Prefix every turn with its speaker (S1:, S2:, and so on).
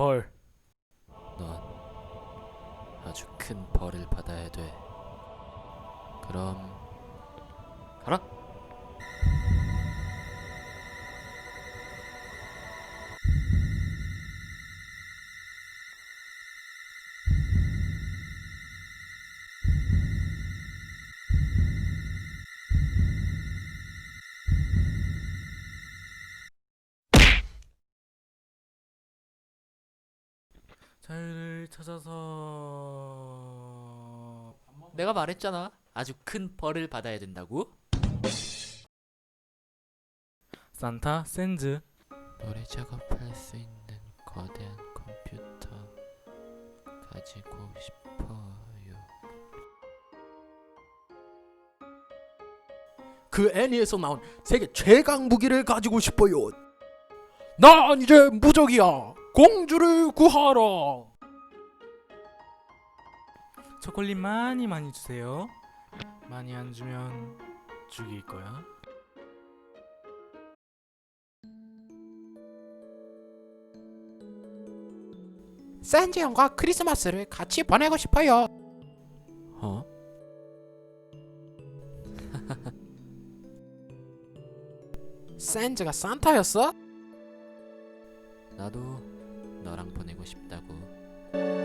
S1: 벌.
S2: 넌 아주 큰 벌을 받아야 돼. 그럼 가라.
S1: 자유를 찾아서.
S2: 내가 말했잖아. 아주 큰 벌을 받아야 된다고.
S1: 산타 샌즈.
S2: 노래 작업할 수 있는 거대한 컴퓨터 가지고 싶어요.
S3: 그 애니에서 나온 세계 최강 무기를 가지고 싶어요. 난 이제 무적이야. 공주를 구하라.
S1: 초콜릿 많이 많이 주세요. 많이 안 주면 죽일 거야.
S3: 샌즈 형과 크리스마스를 같이 보내고 싶어요.
S2: 어?
S3: 샌즈가 산타였어?
S2: 나도 너랑 보내고 싶다고.